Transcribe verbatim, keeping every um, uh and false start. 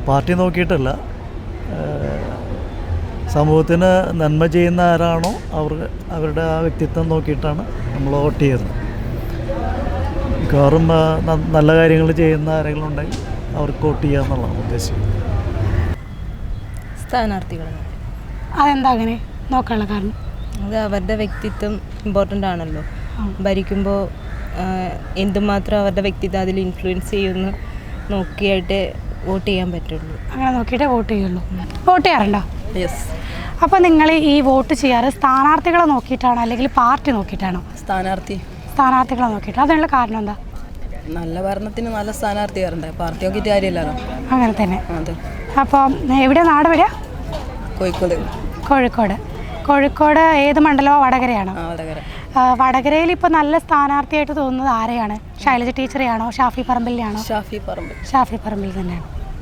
Party നോക്കിയിട്ടല്ല, സമൂഹത്തിന് നന്മ ചെയ്യുന്ന ആരാണോ അവർ അവരുടെ ആ വ്യക്തിത്വം നോക്കിയിട്ടാണ് നമ്മൾ വോട്ട് ചെയ്യുന്നത്. മിക്കവാറും നല്ല കാര്യങ്ങൾ ചെയ്യുന്ന ആരെങ്കിലും ഉണ്ടെങ്കിൽ അവർക്ക് വോട്ട് ചെയ്യുക എന്നുള്ളതാണ് ഉദ്ദേശം. സ്ഥാനാർത്ഥികൾ. അതെന്താ അങ്ങനെ നോക്കാനുള്ള കാരണം? അത് അവരുടെ വ്യക്തിത്വം ഇമ്പോർട്ടൻ്റ് ആണല്ലോ. ഭരിക്കുമ്പോൾ എന്തുമാത്രം അവരുടെ വ്യക്തിത്വം അതിൽ ഇൻഫ്ലുവൻസ് ചെയ്യുമെന്ന് നോക്കിയായിട്ട് വോട്ട് ചെയ്യാൻ പറ്റുള്ളൂ. അങ്ങനെ നോക്കിയിട്ടേ വോട്ട് ചെയ്യുള്ളൂ. വോട്ട് ചെയ്യാറുണ്ടോ? യെസ്. അപ്പോൾ നിങ്ങൾ ഈ വോട്ട് ചെയ്യാറ് സ്ഥാനാർത്ഥികളെ നോക്കിയിട്ടാണോ അല്ലെങ്കിൽ പാർട്ടി നോക്കിയിട്ടാണോ? സ്ഥാനാർത്ഥി. സ്ഥാനാർത്ഥികളെ നോക്കിയിട്ട്. അതിനുള്ള കാരണം എന്താ? നല്ല ഭരണത്തിന് നല്ല സ്ഥാനാർത്ഥി വരണ്ടേ, പാർട്ടി നോക്കിയിട്ട് കാര്യമില്ലല്ലോ. അങ്ങനെ തന്നെ. അതെ. അപ്പോൾ എവിടെയാണ് നാട്? എവിടെയാ? കോഴിക്കോട്. കോഴിക്കോട്. കോഴിക്കോട് ഏത് മണ്ഡലമോ? വടകരയാണോ? വടകര. വടകരയിൽ ഇപ്പോൾ നല്ല സ്ഥാനാർത്ഥിയായിട്ട് തോന്നുന്നത് ആരെയാണ്? ശൈലജ ടീച്ചറെയാണോ ഷാഫി പറമ്പിലിനെയാണോ? ഷാഫി പറമ്പിൽ. ഷാഫി പറമ്പിൽ തന്നെയാണ്.